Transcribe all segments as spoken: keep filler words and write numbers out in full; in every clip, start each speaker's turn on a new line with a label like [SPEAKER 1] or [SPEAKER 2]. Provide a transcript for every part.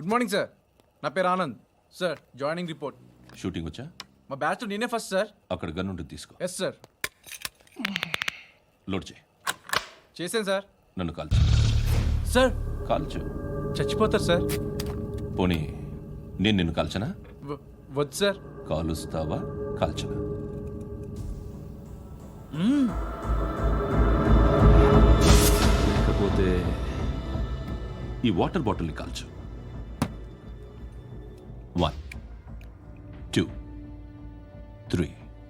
[SPEAKER 1] Good morning sir, నా పేరు Anand sir. Joining report.
[SPEAKER 2] Shooting వచ్చా?
[SPEAKER 1] మా బ్యాచ్ నేనే ఫస్ట్ సార్.
[SPEAKER 2] అక్కడ గన్ ఉంటుంది, తీసుకో.
[SPEAKER 1] Yes sir.
[SPEAKER 2] లోడ్ చేయి.
[SPEAKER 1] చేశాను సార్.
[SPEAKER 2] నన్ను కాల్చు.
[SPEAKER 1] సార్
[SPEAKER 2] కాల్చు.
[SPEAKER 1] చచ్చిపోతారు సార్.
[SPEAKER 2] పోనీ నేను నిన్ను కాల్చనా?
[SPEAKER 1] వ- వద్దు సార్.
[SPEAKER 2] కాలుస్తావా కాల్చనా? లేకపోతే ఈ వాటర్ బాటిల్ని కాల్చు. One two three.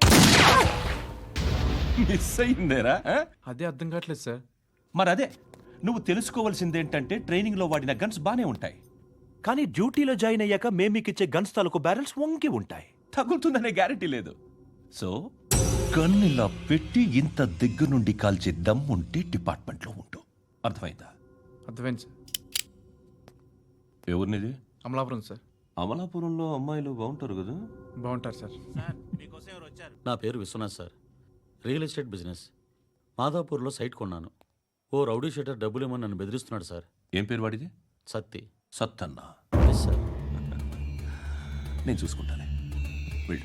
[SPEAKER 2] మిస్ అయిందేరా?
[SPEAKER 1] అదే అర్థం కావట్లేదు సార్.
[SPEAKER 2] మరి అదే నువ్వు తెలుసుకోవాల్సిందేంటంటే ట్రైనింగ్లో వాడిన గన్స్ బానే ఉంటాయి, కానీ డ్యూటీలో జాయిన్ అయ్యాక మేము మీకు ఇచ్చే గన్స్ తాలూకు బ్యారెల్స్ వంగి ఉంటాయి. తగులుతుందనే గ్యారెంటీ లేదు. సో గన్ ఇలా పెట్టి ఇంత దగ్గర నుండి కాల్చే దమ్ ఉంటే డిపార్ట్మెంట్లో ఉంటూ. అర్థమైందా?
[SPEAKER 1] అర్థమైంది సార్.
[SPEAKER 2] ఎవరినిది?
[SPEAKER 1] అమలాపురం సార్.
[SPEAKER 2] అమలాపురంలో అమ్మాయిలు బాగుంటారు కదా?
[SPEAKER 1] బాగుంటారు సార్.
[SPEAKER 3] నా పేరు Viswanath sir. Real estate business. మాదాపూర్లో సైట్ కొన్నాను. ఓ రౌడీ షీటర్ డబ్బులు ఇవ్వమని నన్ను బెదిరిస్తున్నాడు సార్.
[SPEAKER 2] ఏం పేరు వాడిది?
[SPEAKER 3] సత్తి.
[SPEAKER 2] సత్తన్నా.
[SPEAKER 3] Yes sir.
[SPEAKER 2] నేను చూసుకుంటానే, వెళ్ళు.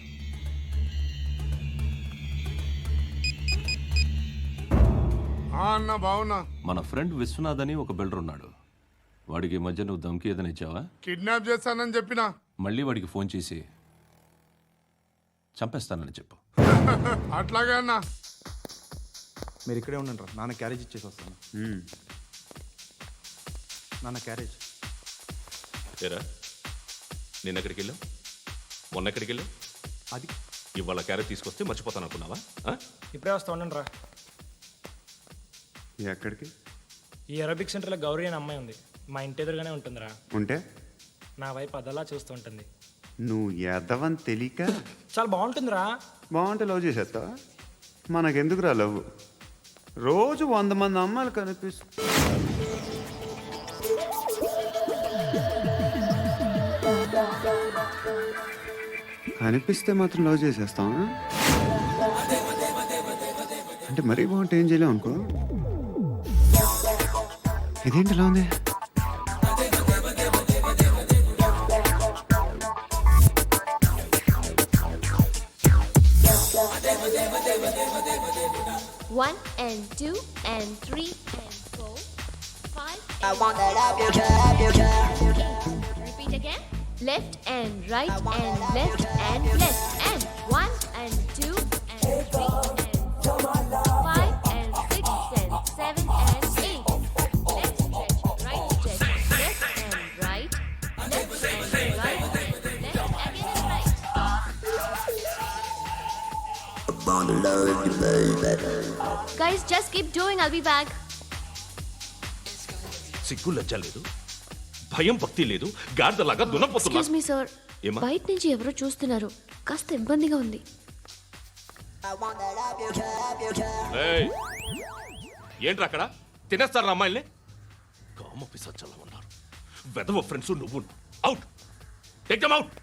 [SPEAKER 4] అన్న బావున్నా.
[SPEAKER 2] మన ఫ్రెండ్ విశ్వనాథ్ అని ఒక బిల్డర్ ఉన్నాడు. వాడికి ఈ మధ్య నువ్వు దమ్కి ఏదైనా ఇచ్చావా?
[SPEAKER 4] కిడ్నాప్ చేస్తానని చెప్పినా.
[SPEAKER 2] మళ్ళీ వాడికి ఫోన్ చేసి చంపేస్తానని చెప్పు.
[SPEAKER 4] అట్లాగే అన్న.
[SPEAKER 1] మీరు ఇక్కడే ఉండండి రా, నాన్న క్యారేజ్ ఇచ్చేసి వస్తాను. నాన్న క్యారేజ్.
[SPEAKER 5] ఏరా, నిన్న ఎక్కడికి వెళ్ళావు? మొన్న ఎక్కడికి వెళ్ళావు?
[SPEAKER 1] అది
[SPEAKER 5] ఇవాళ క్యారెట్ తీసుకొస్తే మర్చిపోతాను అనుకున్నావా? ఆ?
[SPEAKER 6] ఇప్పుడే వస్తా ఉండండి రా.
[SPEAKER 4] ఎక్కడికి?
[SPEAKER 6] ఈ అరబిక్ సెంటర్లో గౌరీ అనే అమ్మాయి ఉంది. మా ఇంటి ఎదురుగానే ఉంటుందిరా.
[SPEAKER 4] ఉంటే
[SPEAKER 6] నా వైపు అదలా చూస్తూ ఉంటుంది.
[SPEAKER 4] నువ్వు ఎదవని తెలియక
[SPEAKER 6] చాలా బాగుంటుందిరా.
[SPEAKER 4] బాగుంటే లవ్ చేసేస్తావా? మనకెందుకురా లవ్? రోజు వంద మంది అమ్మాయిలు కనిపిస్తు కనిపిస్తే మాత్రం లవ్ చేసేస్తావా? అంటే మరీ బాగుంటే ఏం చేయలేవు అనుకో. ఇదేంటి ఇలా ఉంది?
[SPEAKER 7] One and two and three and four, five.
[SPEAKER 8] I want that up your job, your job.
[SPEAKER 7] Eight. Repeat again. Left and right and left and left and one and two and three and four, five and six and seven and eight. Left stretch, right stretch, left and right, left and right, left again and right. Guys, just keep doing. I'll be back.
[SPEAKER 5] సిగ్గు లజ్జ లేదు, భయం భక్తి లేదు, గాడిదలాగా దున్నపోతున్నా.
[SPEAKER 7] Excuse me, sir.
[SPEAKER 5] ఏమా?
[SPEAKER 7] బయట నుంచి ఎవరో చూస్తున్నారు. కాస్త ఇబ్బందిగా ఉంది.
[SPEAKER 8] I want that up your job, your job.
[SPEAKER 5] ఏయ్, ఏంట్రా అక్కడ? తినేస్తారా అమ్మాయిల్ని? కామ పిశాచాలా ఉన్నారు. వెదవ ఫ్రెండ్స్ నువ్వు. Out, take them out.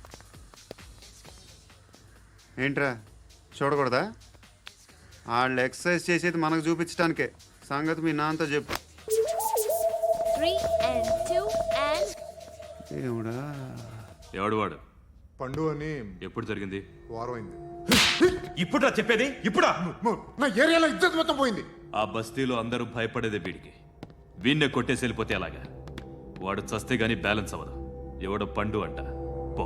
[SPEAKER 4] ఏంట్రా చూడకూడదా? వాళ్ళు ఎక్సర్సైజ్ చేసేది మనకు చూపించడానికే. సంగతి మీ నాన్నతో చెప్పు.
[SPEAKER 7] Three and two and
[SPEAKER 4] ఏమిడా?
[SPEAKER 5] ఎవడు వాడు?
[SPEAKER 9] పండు అని
[SPEAKER 5] ఎప్పుడు జరిగింది?
[SPEAKER 9] వారం అయింది.
[SPEAKER 5] ఇప్పుడా చెప్పేది? ఇప్పుడా?
[SPEAKER 9] నా ఏరియాలో ఇజ్జత్ మొత్తం పోయింది.
[SPEAKER 5] ఆ బస్తీలో అందరూ భయపడేదే వీడికి. వీణ్ణే కొట్టేసి వెళ్ళిపోతే అలాగా. వాడు చస్తే గానీ బ్యాలెన్స్ అవ్వదు. ఎవడో పండు అంట. పో.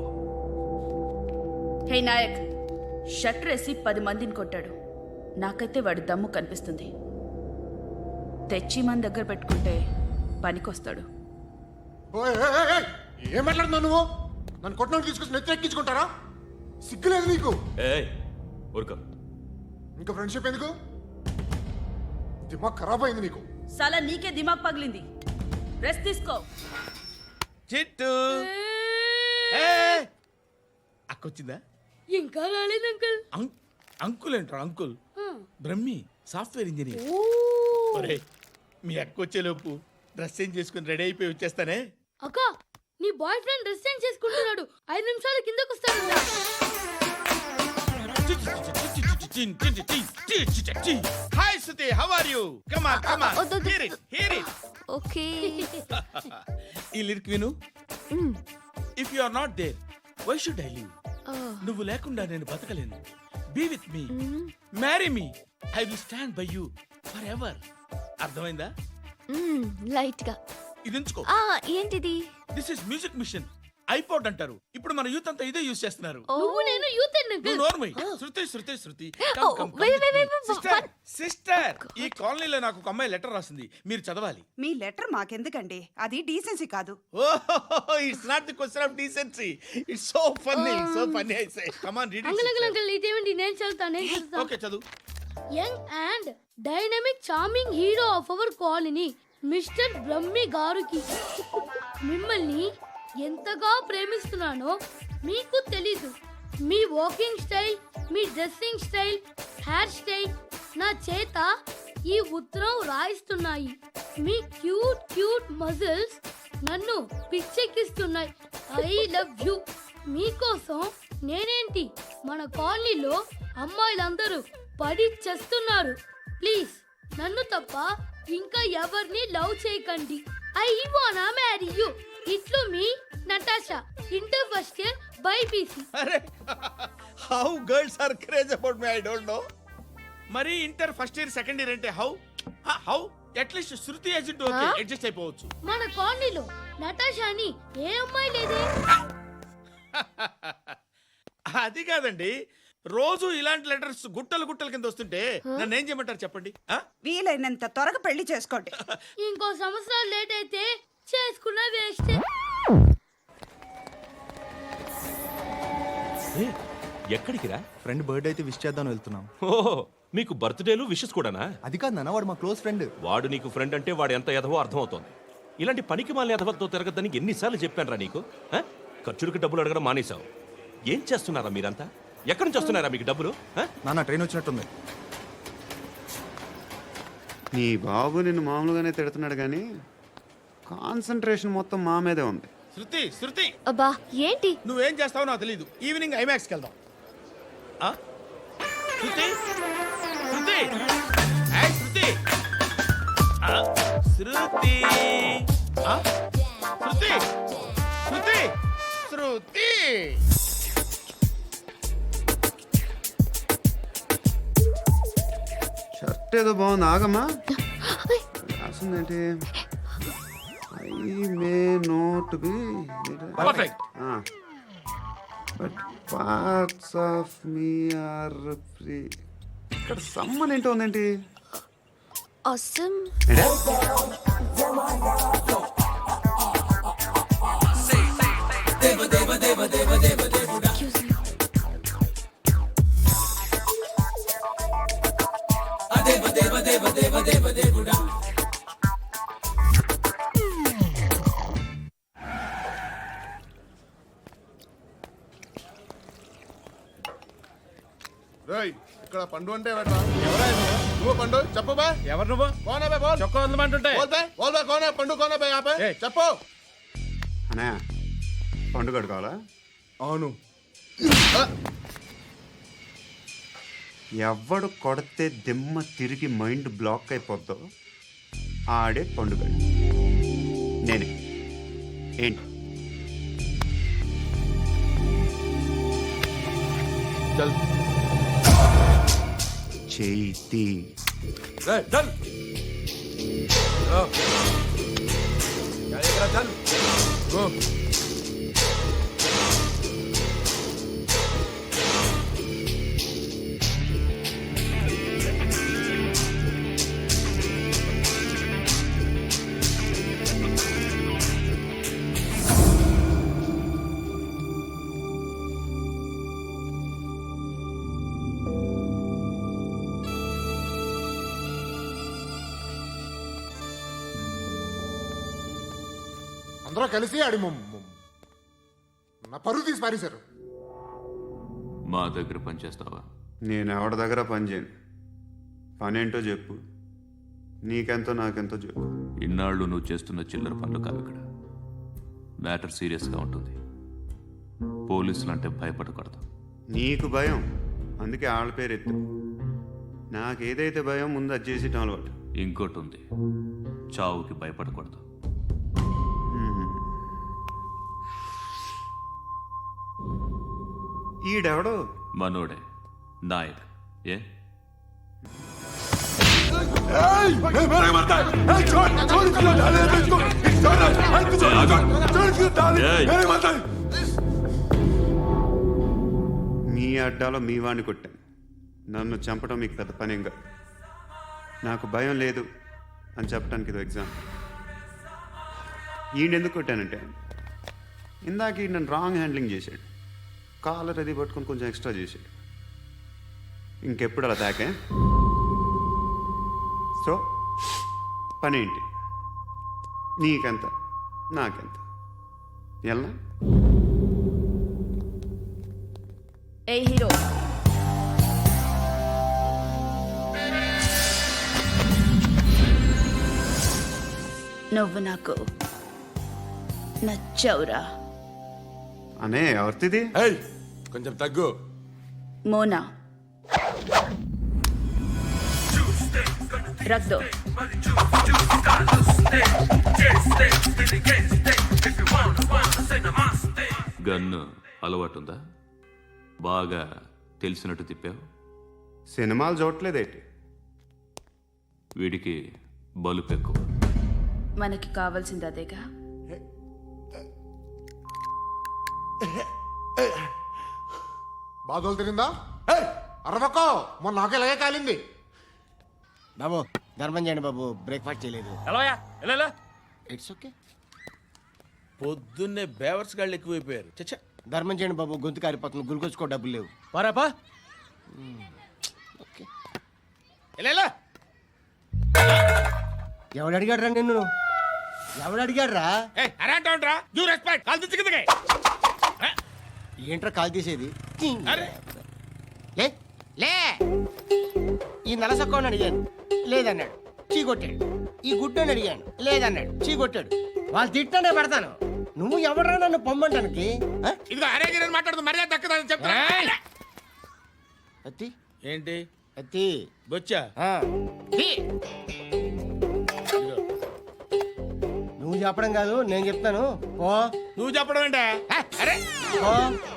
[SPEAKER 10] హే నాయక్, షట్టర్ వేసి పది మందిని కొట్టాడు. నాకైతే వాడి దమ్ము కనిపిస్తుంది. తెచ్చి మన దగ్గర పెట్టుకుంటే పనికొస్తాడు.
[SPEAKER 9] ఓయ్, ఏయ్, ఏయ్, ఏయ్, ఏం మాట్లాడుతున్నావు నువ్వు? నన్ను కొట్టడానికి తీసుకొచ్చి నెత్తి ఎక్కించుకుంటారా? సిగ్గులేదు నీకు?
[SPEAKER 5] ఏయ్ ఊరుకో.
[SPEAKER 9] ఇంకా ఫ్రెండ్షిప్ ఎందుకు? దిమాగ్ ఖరాబ్ అయింది నీకు.
[SPEAKER 10] సలా నీకే దిమాగ్ పగిలింది. రెస్ట్ తీసుకో.
[SPEAKER 11] చిట్టు అక్కొచ్చిందా?
[SPEAKER 10] ఇంకా రాలేదు అంకుల్.
[SPEAKER 11] అంకుల్ ఏంట్రా అంకుల్? Brahmi software engineer. ఒరే, మీ అక్కొచ్చేలోపు డ్రెస్ చేంజ్ చేసుకుని రెడీ అయిపోయి వచ్చేస్తానే.
[SPEAKER 10] అక్క, నీ బాయ్ ఫ్రెండ్ డ్రెస్ చేంజ్ చేసుకుంటున్నాడు. ఐదు నిమిషాలు కిందకు వస్తాడు.
[SPEAKER 11] Hi Suthi, how are you? Come on come on, hear it hear it.
[SPEAKER 7] Okay.
[SPEAKER 11] ఈ లిరిక్ విను. If you are not there why should I live? నువ్వు లేకుండా నేను బతకలేను. Be with me, marry me, I will stand by you forever. అర్థమైందా?
[SPEAKER 7] Light గా.
[SPEAKER 11] ఇది ఉంచుకో.
[SPEAKER 7] ఆ ఏంటిది?
[SPEAKER 11] This is music machine, iPod అంటారు. ఇప్పుడు మన యూత్ అంతా ఇదే యూజ్ చేస్తున్నారు.
[SPEAKER 10] నువ్వు నేను యూత్
[SPEAKER 11] నువ్వు నోర్మై. Sruthi Sruthi Sruthi
[SPEAKER 7] Oh, wait, wait, wait, wait,
[SPEAKER 11] sister sister ఈ కాలనీలో నాకు ఒక అమ్మాయి లెటర్ రాసింది, మీరు చదవాలి.
[SPEAKER 8] మీ లెటర్ మాకెందుకండి, అది డీసెన్సీ కాదు.
[SPEAKER 11] Oh, it's not the question of decency, it's so funny, so funny. I say come on read
[SPEAKER 10] uncle uncle
[SPEAKER 11] it.
[SPEAKER 10] Uncle ఇదేంటి? నేను చదువుతాను నేను చదువుతాను.
[SPEAKER 11] ఓకే చదువు.
[SPEAKER 10] Young and dynamic charming hero of our colony mister Brahmi గారికి మిమ్మల్ని ఎంతగా ప్రేమిస్తున్నానో మీకు తెలీదు. మీ వాకింగ్ స్టైల్, మీ డ్రెస్సింగ్ స్టైల్, హెయిర్ స్టైల్ నా చేత ఈ ఉత్తరం రాయిస్తున్నాయి. మీ క్యూట్ క్యూట్ మజిల్స్ నన్ను పిచ్చెక్కిస్తున్నాయి. I love you. మీకోసం నేనేంటి మన కాలనీలో అమ్మాయిలందరూ పడి చేస్తున్నారు. ప్లీజ్ నన్ను తప్ప ఇంకా ఎవరిని లవ్ చేయకండి. ఐ వానా మ్యారీ యూ. ఇట్లు మీ Natasha, inter first year BiPC.
[SPEAKER 11] అరే how girls are craze about me, I don't know. మరి inter first year second year అంటే how how at least Sruthi agent okay adjust అయిపోవచ్చు.
[SPEAKER 10] మన కాలనీలో నటాషా అని ఏ అమ్మాయి లేదే.
[SPEAKER 11] అది కాదండి, రోజు ఇలాంటి లెటర్స్ గుట్టలు గుట్టల కింద వస్తుంటే నన్ను ఏం చేయమంటారు చెప్పండి? ఆ?
[SPEAKER 8] వీలైనంత త్వరగా పెళ్లి చేసుకోండి.
[SPEAKER 10] ఇంకో సంవత్సరాలు లేట్ అయితే చేసుకున్న వేస్ట్.
[SPEAKER 5] ఏ, ఎక్కడికి రా?
[SPEAKER 1] ఫ్రెండ్ బర్త్డే అయితే విష్ చేద్దాం వెళ్తున్నాం.
[SPEAKER 5] ఓహో, మీకు బర్త్డేలు విషెస్ కూడానా?
[SPEAKER 1] అది కాదు నాన్న, వాడు మా క్లోజ్ ఫ్రెండ్.
[SPEAKER 5] వాడు నీకు ఫ్రెండ్ అంటే వాడు ఎంత ఎదవో అర్థమవుతోంది. ఇలాంటి పనికి మాలిన ఎదవలతో తిరగద్దని ఎన్నిసార్లు చెప్పానురా నీకు? ఆ? ఖర్చులకు డబ్బులు అడగడం మానేశావు. ఏం చేస్తున్నారా మీరంతా? ఎక్కడి నుంచి వస్తున్నారా మీకు డబ్బులు? ఆ?
[SPEAKER 1] నాన్న ట్రైన్ వచ్చినట్టుంది.
[SPEAKER 4] నీ బాబు నిన్ను మామూలుగానే తిడుతున్నాడు కానీ కాన్సన్ట్రేషన్ మొత్తం మా మీదే ఉంది.
[SPEAKER 11] శృతి శృతి
[SPEAKER 7] అబ్బా ఏంటి?
[SPEAKER 11] నువ్వేం చేస్తావో నాకు తెలీదు. ఈవినింగ్ ఐమాక్స్కి వెళ్దాం. ఆ? శృతి శృతి ఏయ్, శృతి ఆ, శృతి ఆ? శృతి శృతి శృతి
[SPEAKER 4] షర్ట్ ఏదో బాగుంది, ఆగమ్మా. రాసిందేంటి? I may not be
[SPEAKER 11] perfect.
[SPEAKER 4] But parts of me are free. ఇక్కడ సమ్మన్ ఏంటో ఉందేంటి?
[SPEAKER 7] Awesome. Excuse me.
[SPEAKER 9] రేయ్, ఇక్కడ పండు అంటే ఎవరా? నువ్వు పండు చెప్పు బే.
[SPEAKER 11] ఎవరు నువ్వు?
[SPEAKER 9] కోనా బే బోల్.
[SPEAKER 11] చొక్కా వదలమంటుంటే
[SPEAKER 9] బోల్ బే బోల్ బే కోనా పండు కోనా బే ఆపే
[SPEAKER 11] ఏయ్.
[SPEAKER 9] చెప్పు.
[SPEAKER 4] అనే పండుగ కావాలా?
[SPEAKER 9] అవును.
[SPEAKER 4] ఎవడు కొడితే దిమ్మ తిరిగి మైండ్ బ్లాక్ అయిపోద్దో ఆడే పండుగ. నేనే. ఏంటి?
[SPEAKER 9] చల్
[SPEAKER 4] చేతి
[SPEAKER 9] రే చల్. చల్ గో. అందరూ కలిసి ఆడి మొ- మొ- నా పరువు తీసి పారేశారు.
[SPEAKER 2] మా దగ్గర పనిచేస్తావా?
[SPEAKER 4] నేను ఎవరి దగ్గర పని చేయను. పని ఏంటో చెప్పు. నీకెంతో నాకెంతో చెప్పు.
[SPEAKER 2] ఇన్నాళ్ళు నువ్వు చేస్తున్న చిల్లర పనులు కావు ఇక్కడ. మ్యాటర్ సీరియస్గా ఉంటుంది. పోలీసులు అంటే భయపడకూడదు.
[SPEAKER 4] నీకు భయం, అందుకే ఆళ్ళ పేరు ఎత్తు. నాకేదైతే భయం ముందు అది చేసేటం అలవాటు.
[SPEAKER 2] ఇంకోటి ఉంది, చావుకి భయపడకూడదు.
[SPEAKER 4] ఈడెవడు
[SPEAKER 5] మనోడే నాయక్ ఏ
[SPEAKER 4] మీ అడ్డాలో మీ వాడిని కొట్టాను. నన్ను చంపడం మీకు పెద్ద పనేంగా. నాకు భయం లేదు అని చెప్పడానికి ఇది ఎగ్జామ్. ఈయన ఎందుకు కొట్టానంటే ఇందాక ఈ నన్ను రాంగ్ హ్యాండ్లింగ్ చేశాడు. కాలర్ అది పట్టుకొని కొంచెం ఎక్స్ట్రా చేశాడు. ఇంకెప్పుడు అలా తాకే. సో పనేంటి? నీకెంత నాకెంత ఎలా?
[SPEAKER 7] ఏ హీరో నువ్వు నాకు నచ్చవురా.
[SPEAKER 4] అనే ఎవరిది?
[SPEAKER 9] కొంచెం తగ్గు.
[SPEAKER 7] మోనా రక్ దో.
[SPEAKER 5] గన్ను అలవాటుందా? బాగా తెలిసినట్టు తిప్పావు.
[SPEAKER 4] సినిమాలు చూడట్లేదేంటి?
[SPEAKER 5] వీడికి బలుపు ఎక్కువ.
[SPEAKER 7] మనకి కావాల్సింది అదేగా.
[SPEAKER 9] బాధలు తిరిందా? అరవకో, మొన్న నాకు ఇలాగే కాలింది.
[SPEAKER 11] బాబు ధర్మం చేయండి బాబు, బ్రేక్ఫాస్ట్ చేయలేదు. It's okay.
[SPEAKER 12] పొద్దున్నే బేవర్స్ గాళ్ళు ఎక్కువైపోయారు. చచ్చా,
[SPEAKER 11] ధర్మం చేయండి బాబు, గొంతు కారిపోతుంది, గురికొచ్చుకో డబ్బులు లేవు.
[SPEAKER 12] పారాపా.
[SPEAKER 11] ఓకే.
[SPEAKER 12] ఎవడు అడిగాడు రా నిన్ను? ఎవడు అడిగాడు రా?
[SPEAKER 11] ఏంట్రా కాల్ తీసేది? లే లే ఈ నలసక్కని అడిగాను, లేదన్నాడు, చీ కొట్టాడు. ఈ గుడ్డని అడిగాను, లేదన్నాడు, చీ కొట్టాడు. వాళ్ళు తిట్టానే పెడతాను. నువ్వు ఎవడరా నన్ను పొమ్మంటానికి?
[SPEAKER 9] ఇదిగో అరే గిరని మాట్లాడుతూ మర్యాద దక్కదని చెప్తా.
[SPEAKER 11] అత్తి
[SPEAKER 12] ఏంటి
[SPEAKER 11] అత్తి
[SPEAKER 12] బొచ్చా?
[SPEAKER 11] ఆ. తీ. నువ్వు చెప్పడం కాదు, నేను చెప్తాను. ఓ
[SPEAKER 9] నువ్వు చెప్పడం ఏంటే? అరే
[SPEAKER 11] ఓ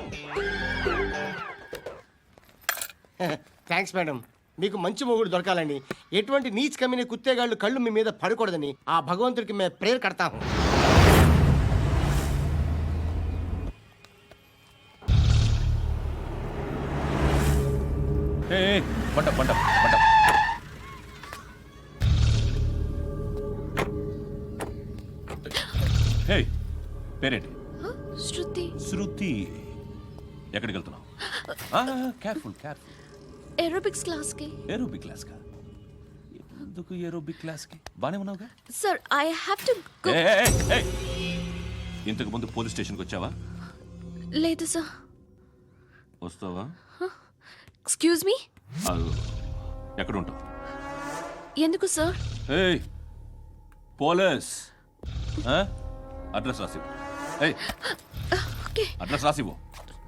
[SPEAKER 11] థ్యాంక్స్ మేడం. మీకు మంచి మొగుడు దొరకాలని, ఎటువంటి నీచ్ కమ్మిన కుత్తేగాళ్ళు కళ్ళు మీ మీద పడకూడదని ఆ భగవంతుడికి మేము ప్రేయర్ కడతాము.
[SPEAKER 2] ఏ పంట పంట పంట హే, పేరేంటి?
[SPEAKER 7] శృతి.
[SPEAKER 2] శృతి. ఎక్కడికి వెళ్తున్నావు? Careful careful.
[SPEAKER 7] ఏరోబిక్స్ క్లాస్ కి.
[SPEAKER 2] ఏరోబిక్ క్లాస్ కా? ఎందుకు ఏరోబిక్ క్లాస్ కి? బానే ఉన్నావుగా?
[SPEAKER 7] Sir I have to go.
[SPEAKER 2] ఏయ్, ఏయ్, ఏయ్. ఇంతకు ముందు పోలీస్ స్టేషన్కి వచ్చావా?
[SPEAKER 7] లేదు సార్.
[SPEAKER 2] వస్తావా?
[SPEAKER 7] Excuse me.
[SPEAKER 2] అదు, ఎక్కడ ఉంటావు?
[SPEAKER 7] ఎందుకు సార్?
[SPEAKER 2] ఏయ్, పోలీస్. ఆ? అడ్రస్ రాసివ్వు. ఏయ్,
[SPEAKER 7] ఓకే.
[SPEAKER 2] అడ్రస్ రాసివ్వు.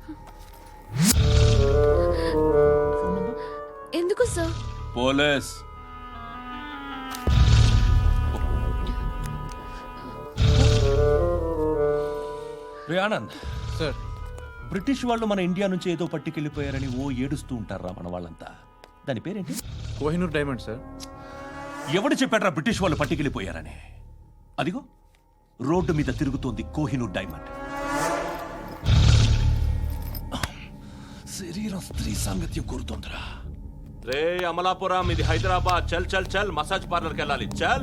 [SPEAKER 7] ఎందుకు సార్?
[SPEAKER 2] పోలీస్. రే ఆనంద్
[SPEAKER 1] సార్,
[SPEAKER 2] బ్రిటిష్ వాళ్ళు మన ఇండియా నుంచి ఏదో పట్టుకెళ్ళిపోయారని ఓ ఏడుస్తూ ఉంటారా మన వాళ్ళంతా. దాని పేరేంటి?
[SPEAKER 1] Kohinoor diamond sir.
[SPEAKER 2] ఎవడు చెప్పాడ్రా బ్రిటిష్ వాళ్ళు పట్టుకెళ్ళిపోయారని? అదిగో రోడ్డు మీద తిరుగుతోంది కోహినూర్ డైమండ్. శరీరం స్త్రీ సాంగత్యం కోరుతోందిరా.
[SPEAKER 5] రే అమలాపురం, ఇది హైదరాబాద్. చల్ చల్ చల్, మసాజ్ పార్లర్కి వెళ్ళాలి. చల్.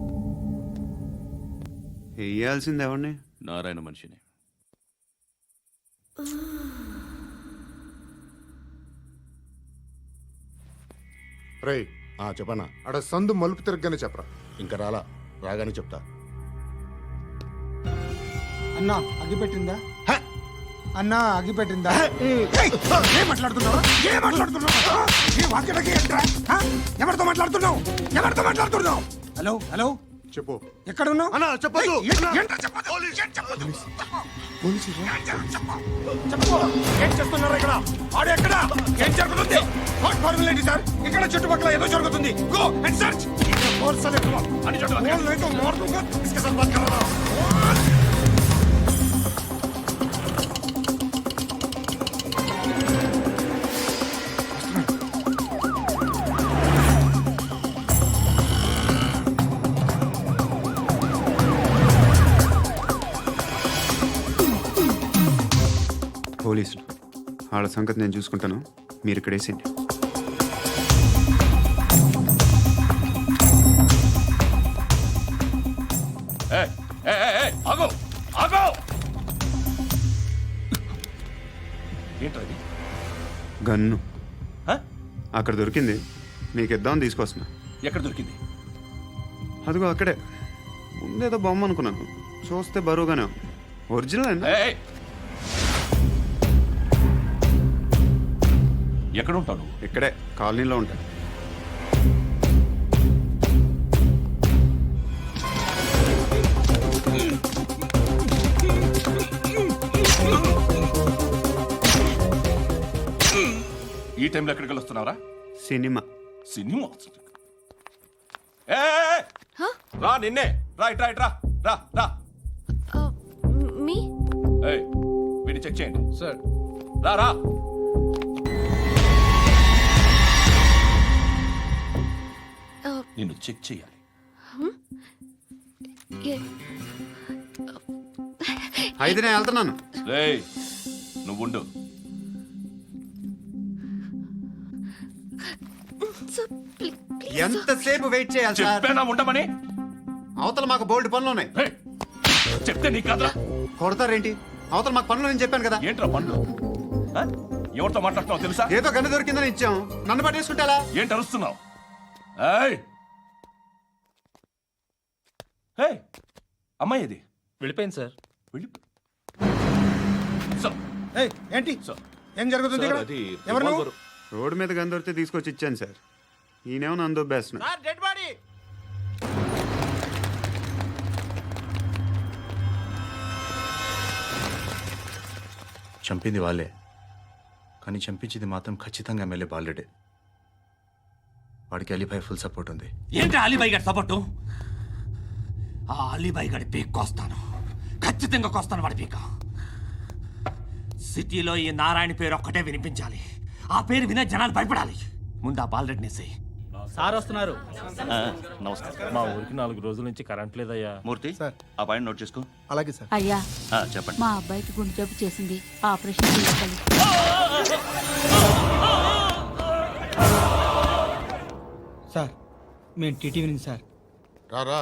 [SPEAKER 4] వేయాల్సింది ఎవరిని?
[SPEAKER 2] నారాయణ మనిషిని.
[SPEAKER 9] రే చెప్పనా? అడ సందు మలుపు తిరగగానే చెప్పరా. ఇంకా రాలా, రాగానే చెప్తా.
[SPEAKER 11] అన్నా అగిపెట్టిందా? అన్నా అగిపెట్టిందా?
[SPEAKER 9] ఏం మాట్లాడుతున్నావు? ఏం మాట్లాడుతున్నావు? ఏ వాక్యలకి ఏంట్రా? ఎవరితో మాట్లాడుతున్నావు? ఎవరితో మాట్లాడుతున్నావు?
[SPEAKER 11] హలో హలో
[SPEAKER 9] చెప్పు.
[SPEAKER 11] ఎక్కడ ఉన్నావు?
[SPEAKER 9] అన్నా చెప్పదు. ఏం చేస్తున్నారు ఇక్కడ? ఆడు ఎక్కడ? ఏం జరుగుతుంది? వాట్ ఫార్ములేంటి సార్? ఇక్కడ చుట్టుపక్కల ఏదో జరుగుతుంది. Go and search. ఫోర్స్ అనే తుమ్ అని చెప్పు. बोल नहीं तो मार दूंगा. इसके साथ बात कर रहा हूं.
[SPEAKER 4] పోలీసులు. వాళ్ళ సంగతి నేను చూసుకుంటాను, మీరు ఇక్కడ వేసేయండి.
[SPEAKER 2] ఏయ్, ఏయ్, ఏయ్, ఏయ్, ఆగు ఆగు ఏంటది?
[SPEAKER 4] గన్ను
[SPEAKER 2] హ?
[SPEAKER 4] అక్కడ దొరికింది, మీకు ఇద్దామని తీసుకొస్తున్నా.
[SPEAKER 2] ఎక్కడ దొరికింది?
[SPEAKER 4] అదిగో అక్కడే. ముందేదో బొమ్మ అనుకున్నాను, చూస్తే బరువుగానే ఉంది. ఒరిజినల్ అండి.
[SPEAKER 2] ఏయ్, ఎక్కడ ఉంటావు నువ్వు?
[SPEAKER 4] ఇక్కడే కాలనీలో ఉంటాయి.
[SPEAKER 2] ఈ టైంలో ఎక్కడికి వస్తున్నావురా?
[SPEAKER 4] సినిమా.
[SPEAKER 2] సినిమా? ఏయ్, రా నిన్నే రా ఇట్ రా ఇట్ రా రా రా
[SPEAKER 7] మీ
[SPEAKER 2] ఏయ్, వీడిని చెక్ చేయండి సార్. రా రా నిన్ను చెక్ చేయాలి.
[SPEAKER 4] అయితే నేను వెళ్తున్నాను.
[SPEAKER 2] రేయ్, నువ్వు ఉండు.
[SPEAKER 4] ఎంతసేపు వెయిట్ చేయాలి సార్?
[SPEAKER 2] చెప్పేనా ఉండమని?
[SPEAKER 4] అవతల మాకు బోల్డ్ పనులు ఉన్నాయి.
[SPEAKER 2] ఏయ్, చెప్తే నీకు కదరా?
[SPEAKER 4] కొడతారేంటి? అవతల మాకు పనులు నేను చెప్పాను కదా.
[SPEAKER 2] ఏంట్రా పండ్లు? ఆ? ఎవరితో మాట్లాడుతున్నావు తెలుసా?
[SPEAKER 4] ఏదో గన్ను దొరికిందని ఇచ్చాం, నన్ను పట్టేసుకుంటా.
[SPEAKER 2] ఏంటి అరుస్తున్నావు? ఏయ్, ఏయ్, అమ్మాయి ఇది
[SPEAKER 6] వెళ్ళిపోయింది సార్.
[SPEAKER 2] వెళ్ళి సార్,
[SPEAKER 9] ఏయ్, ఏంటి
[SPEAKER 2] సార్,
[SPEAKER 9] ఏం జరుగుతుంది ఇక్కడ?
[SPEAKER 5] అది
[SPEAKER 9] ఎవరు నువ్వు?
[SPEAKER 5] రివాల్వర్.
[SPEAKER 4] రోడ్డు మీద గన్ను దొరికితే తీసుకొచ్చి ఇచ్చాను సార్. ఈయనేమో నన్ను దొబ్బేస్తున్నా.
[SPEAKER 11] Sir dead body.
[SPEAKER 1] చంపింది వాళ్ళే, కానీ చంపించింది మాత్రం ఖచ్చితంగా ఎమ్మెల్యే బాలుడే. వాడికి అలీభాయ్ ఫుల్ సపోర్ట్ ఉంది.
[SPEAKER 13] ఏంటి అలీబాయి గారి సపోర్టు? ఆ అలీబాయి గారి పీక్ కోస్తాను, ఖచ్చితంగా కోస్తాను వాడి పీక. సిటీలో ఈ నారాయణ పేరు ఒక్కటే వినిపించాలి. ఆ పేరు వినే జనాలు భయపడాలి. ముందు ఆ బాలరెడ్డిని వేసేయ్.
[SPEAKER 3] సార్ వస్తున్నారు.
[SPEAKER 6] నమస్కారం. మా ఊరికి నాలుగు రోజుల నుంచి కరెంట్ లేదయ్యా.
[SPEAKER 3] మూర్తి, ఆ పాయింట్ నోట్ చేసుకో.
[SPEAKER 9] అలాగే సార్.
[SPEAKER 14] అయ్యా,
[SPEAKER 3] చెప్పండి.
[SPEAKER 14] మా అబ్బాయికి గుండె జబ్బు చేసింది, ఆపరేషన్ చేయాలి.
[SPEAKER 11] సార్ మేము టీటీవీ నుంచి సార్.
[SPEAKER 9] రారా.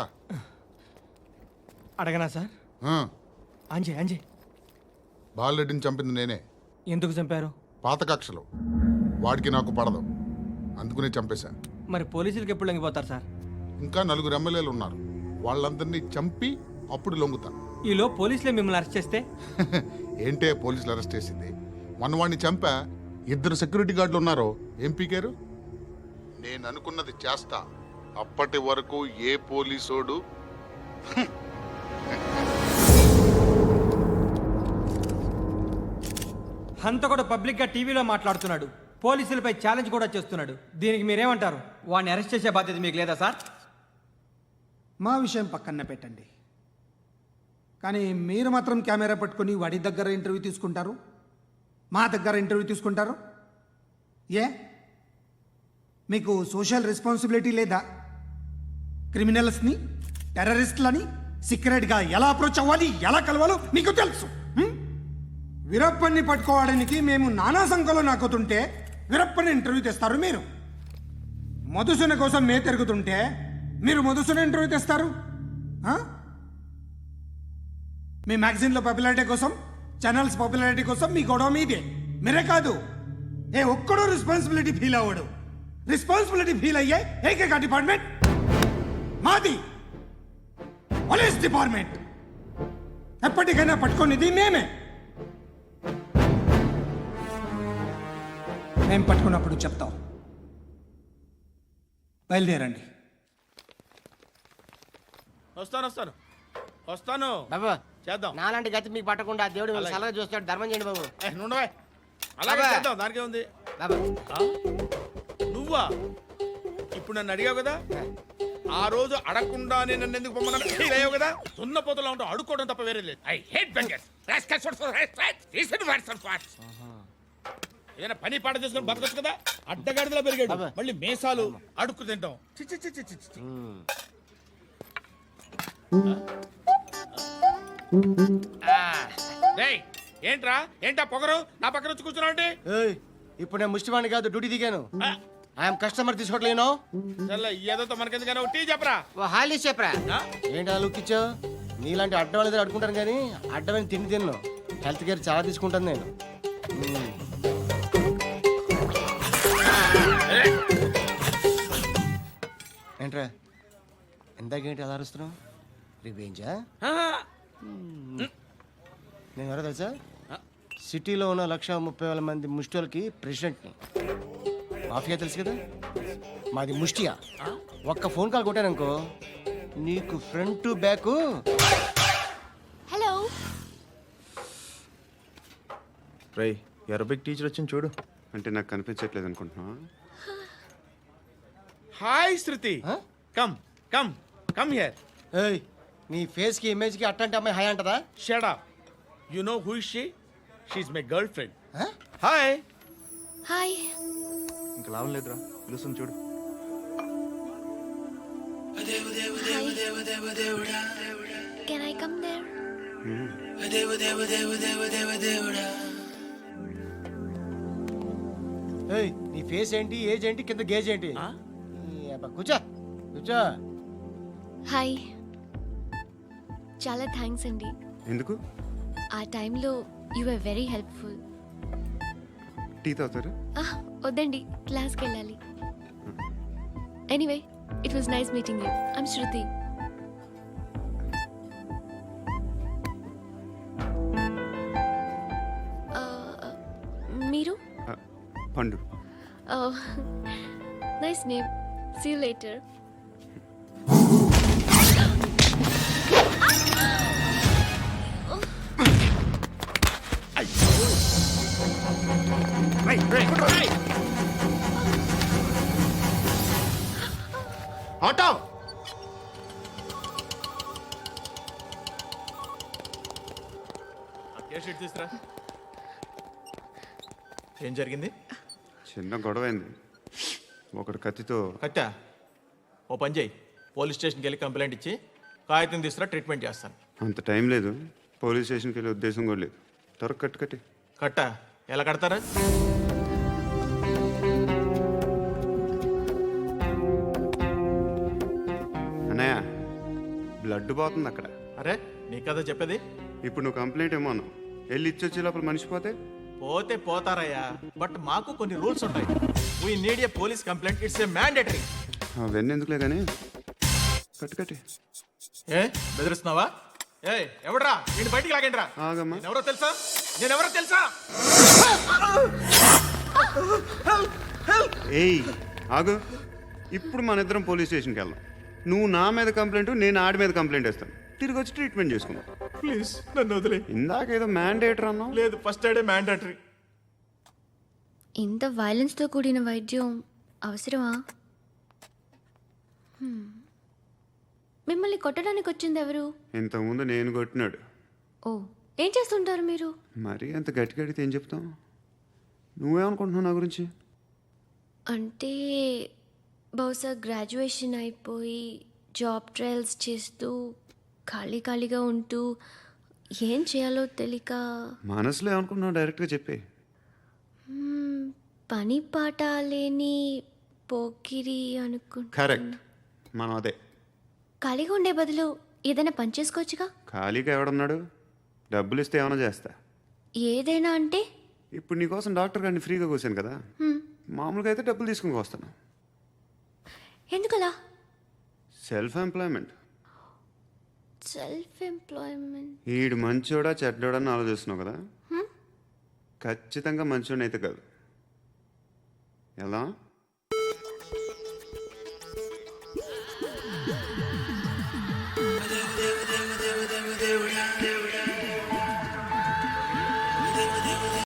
[SPEAKER 11] అడగనా సార్? అంజే అంజే
[SPEAKER 9] బాలరెడ్డిని చంపింది నేనే.
[SPEAKER 11] ఎందుకు చంపారు?
[SPEAKER 9] పాత కక్షలు, వాడికి నాకు పడదు, అందుకునే చంపేశా.
[SPEAKER 11] మరి పోలీసులకు ఎప్పుడు లొంగిపోతారు సార్?
[SPEAKER 9] ఇంకా నలుగురు ఎమ్మెల్యేలు ఉన్నారు, వాళ్ళందరినీ చంపి అప్పుడు లొంగుతా.
[SPEAKER 11] ఈలో పోలీసులే మిమ్మల్ని అరెస్ట్ చేస్తే?
[SPEAKER 9] ఏంటే పోలీసులు అరెస్ట్ చేసింది? మన వాడిని చంపా, ఇద్దరు సెక్యూరిటీ గార్డులు ఉన్నారు, ఏం పీకారు? నేను అనుకున్నది చేస్తా, అప్పటి వరకు ఏ పోలీసోడు
[SPEAKER 11] హంతకుడు పబ్లిక్ గా టీవీలో మాట్లాడుతున్నాడు, పోలీసులపై ఛాలెంజ్ కూడా చేస్తున్నాడు. దీనికి మీరేమంటారు? వాడిని అరెస్ట్ చేసే బాధ్యత మీకు లేదా సార్?
[SPEAKER 15] మా విషయం పక్కన పెట్టండి, కానీ మీరు మాత్రం కెమెరా పట్టుకొని వాడి దగ్గర ఇంటర్వ్యూ తీసుకుంటారు, మా దగ్గర ఇంటర్వ్యూ తీసుకుంటారు. ఏ మీకు సోషల్ రెస్పాన్సిబిలిటీ లేదా? క్రిమినల్స్ని, టెర్రరిస్టులని సీక్రెట్గా ఎలా అప్రోచ్ అవ్వాలి, ఎలా కలవాలో మీకు తెలుసు. హ్మ్? వీరప్పన్ని పట్టుకోవడానికి మేము నానా సంఖ్యలో నాకుతుంటే వీరప్పని ఇంటర్వ్యూ తెస్తారు మీరు. మధుసూన కోసం మే తిరుగుతుంటే మీరు మధుసూన ఇంటర్వ్యూ తెస్తారు. ఆ? మీ మ్యాగజైన్లో పాపులారిటీ కోసం, ఛానల్స్ పాపులారిటీ కోసం మీ గొడవ మీదే. మీరే కాదు, ఏ ఒక్కడో రెస్పాన్సిబిలిటీ ఫీల్ అవ్వడు. రెస్పాన్సిబిలిటీ ఫీల్ అయ్యే ఏకైక డిపార్ట్మెంట్ మాది, పోలీస్ డిపార్ట్మెంట్. ఎప్పటికైనా పట్టుకునేది మేమే. మేము పట్టుకున్నప్పుడు చెప్తాం. బయలుదేరండి.
[SPEAKER 12] వస్తాను వస్తాను వస్తాను
[SPEAKER 11] బాబు
[SPEAKER 12] చేద్దాం.
[SPEAKER 11] నాలాంటి గతి మీకు పట్టకుండా దేవుడు మిమ్మల్ని సలహా చూస్తాడు. ధర్మం చేయండి బాబు.
[SPEAKER 12] ఏ, నుండవే. అలాగే
[SPEAKER 11] అబ్బా.
[SPEAKER 12] చేద్దాం, దానికే ఉంది.
[SPEAKER 11] బాబు
[SPEAKER 12] ఆ? నువ్వా? ఇప్పుడు నన్ను అడిగావు కదా, ఆ రోజు అడగకుండానే నన్ను ఎందుకు పొమ్మన్నాను ఫీల్ అయ్యావు కదా. సున్న పోతలో ఉంటావు, అడుక్కోవడం తప్ప వేరే లేదు. I hate beggars. ఏదైనా పని పాట చేసుకుని బతకొచ్చు కదా. అడ్డగాడిదలా పెరిగాడు, మళ్ళీ మేసాలు అడుక్కు తింటాం. చి, చి, చి, చి, చి, చి. ఆ? రేయ్, ఏంట్రా ఏంటా పొగరు నా పక్కన వచ్చి కూర్చున్నావు అంటే
[SPEAKER 11] ఏయ్, ఇప్పుడు నేను ముష్టివాణి కాదు డ్యూటీ దిగాను ఐఎమ్ కస్టమర్ తీసుకోవట్లేను
[SPEAKER 12] చల్ల ఏదో మనకెందుకైనా టీ చెప్పరా
[SPEAKER 11] హాలీ చెప్పరా ఏంటి ఆ లుక్ ఇచ్చావు నీలాంటి అడ్డం వాళ్ళ దగ్గర అడుకుంటాను కానీ అడ్డమైన తిండి తిన్ను హెల్త్ కేర్ చాలా తీసుకుంటాను నేను మ్మ్. ఏంట్రా ఇందాకేంటి అలా అరుస్తున్నావు రివేంజా నేను ఎవరో తెలుసా సిటీలో ఉన్న లక్ష ముప్పై వేల మంది ముష్టిలకి ప్రెసిడెంట్ని మాఫియా తెలుసు కదా మాది ముష్టియా ఒక్క ఫోన్ కాల్ కొట్టాననుకో నీకు ఫ్రంట్ టు బ్యాక్
[SPEAKER 7] హలో
[SPEAKER 1] రై అరబిక్ టీచర్ వచ్చింది చూడు.
[SPEAKER 4] అంటే నాకు కనిపించట్లేదు అనుకుంటున్నా.
[SPEAKER 12] Hi Sruthi come come come here
[SPEAKER 11] ఏయ్ నీ ఫేస్ కి ఇమేజ్ కి అట్టంటే అమ్మాయి హాయ్ అంటదా
[SPEAKER 12] shut up you know who is she she is my girlfriend hi
[SPEAKER 7] hi
[SPEAKER 1] ఇంకా లాభం లేదురా, పిలుస్తుంది చూడు.
[SPEAKER 7] కెన్ ఐ కమ్ దేర్
[SPEAKER 11] ఏయ్ నీ ఫేస్ ఏంటి ఏజ్ ఏంటి కింద గేజ్ ఏంటి ఈ అబ్బా, కూర్చో కూర్చో
[SPEAKER 7] హాయ్ చాలా థ్యాంక్స్ అండి.
[SPEAKER 4] ఎందుకు?
[SPEAKER 7] ఆ టైంలో you are very helpful.
[SPEAKER 4] Tea తాగుతారా?
[SPEAKER 7] వద్దండి, క్లాస్కి వెళ్ళాలి. Anyway it was nice meeting you. I'm Sruthi. మీరు?
[SPEAKER 4] Pandu.
[SPEAKER 7] Nice name. See you later.
[SPEAKER 9] Auto
[SPEAKER 12] తీసురా. ఏం జరిగింది?
[SPEAKER 4] చిన్న గొడవ అయింది. ఒకడు కత్తితో.
[SPEAKER 12] కట్టా ఓ పని చేయి, పోలీస్ స్టేషన్కి వెళ్ళి కంప్లైంట్ ఇచ్చి కాగితం తీసుకురా, ట్రీట్మెంట్ చేస్తాను.
[SPEAKER 4] అంత టైం లేదు, పోలీస్ స్టేషన్కి వెళ్ళే ఉద్దేశం కూడా లేదు. త్వరగా కట్టు కట్టి.
[SPEAKER 12] కట్టా ఎలా కడతారా?
[SPEAKER 4] అన్నయ్య బ్లడ్ పోతుంది అక్కడ.
[SPEAKER 12] అరే నీ కదా చెప్పేది.
[SPEAKER 4] ఇప్పుడు నువ్వు కంప్లైంట్ ఏమో అన్నావు, వెళ్ళి ఇచ్చొచ్చే లోపల మనిషి పోతే
[SPEAKER 12] పోతే పోతారయ్యా, బట్ మాకు కొన్ని రూల్స్ ఉంటాయి. We need a police complaint, it's a mandatory.
[SPEAKER 4] అవన్నీ ఎందుకులే కానీ కట్టు కట్టి.
[SPEAKER 12] ఏ బెదిరిస్తున్నావా? ఏ ఎవడ్రా నేను బయటికి లాగండి రా.
[SPEAKER 4] ఆగమ్మా.
[SPEAKER 12] ఎవరో తెలుసా? నేను ఎవరో తెలుసా?
[SPEAKER 4] ఏయ్ ఆగు. ఇప్పుడు మన ఇద్దరం పోలీస్ స్టేషన్కి వెళ్దాం. నువ్వు నా మీద కంప్లైంట్, నేను ఆడి మీద కంప్లైంట్ వేస్తాను. తిరిగి వచ్చి ట్రీట్మెంట్ చేసుకుందాం.
[SPEAKER 12] ప్లీజ్ నన్ను వదిలే.
[SPEAKER 4] ఇందాకేదో మ్యాండేటర్ అన్నావు.
[SPEAKER 12] లేదు, ఫస్ట్ ఎయిడే మ్యాండేటరీ.
[SPEAKER 7] ఇంత వైలెన్స్తో కూడిన వైద్యం అవసరమా? Hmm. మిమ్మల్ని కొట్టడానికి వచ్చింది ఎవరు?
[SPEAKER 4] ఇంతకుముందు నేను కొట్టినాడు.
[SPEAKER 7] ఓ, ఏం చేస్తుంటారు మీరు?
[SPEAKER 4] మరీ అంత గట్టి గడితే ఏం చెప్తాం? నువ్వేమనుకుంటున్నావు నా గురించి?
[SPEAKER 7] అంటే బహుశా గ్రాడ్యుయేషన్ అయిపోయి జాబ్ ట్రయల్స్ చేస్తూ ఖాళీ ఖాళీగా ఉంటూ ఏం చేయాలో తెలియక.
[SPEAKER 4] మనసులో ఏమనుకుంటున్నావు డైరెక్ట్గా చెప్పే.
[SPEAKER 7] మ్మ్, పని పాట లేని పోకిరి అనుకుంటా.
[SPEAKER 4] కరెక్ట్, మనం అదే.
[SPEAKER 7] ఖాళీగా ఉండే బదులు ఏదైనా పని చేసుకోవచ్చుగా.
[SPEAKER 4] ఖాళీగా ఎవడన్నాడు? డబ్బులు ఇస్తే ఏమైనా చేస్తా.
[SPEAKER 7] ఏదైనా అంటే?
[SPEAKER 4] ఇప్పుడు నీకోసం డాక్టర్ గారిని ఫ్రీగా కూర్చాను కదా,
[SPEAKER 7] హ్మ్,
[SPEAKER 4] మామూలుగా అయితే డబ్బులు తీసుకుని వస్తాను.
[SPEAKER 7] ఎందుకలా?
[SPEAKER 4] Self employment.
[SPEAKER 7] Self employment.
[SPEAKER 4] ఈడు మంచోడా చెడ్డోడా అని ఆలోచిస్తున్నావు కదా.
[SPEAKER 7] హ్మ్?
[SPEAKER 4] ఖచ్చితంగా మంచోడని అయితే కాదు. ఎలా?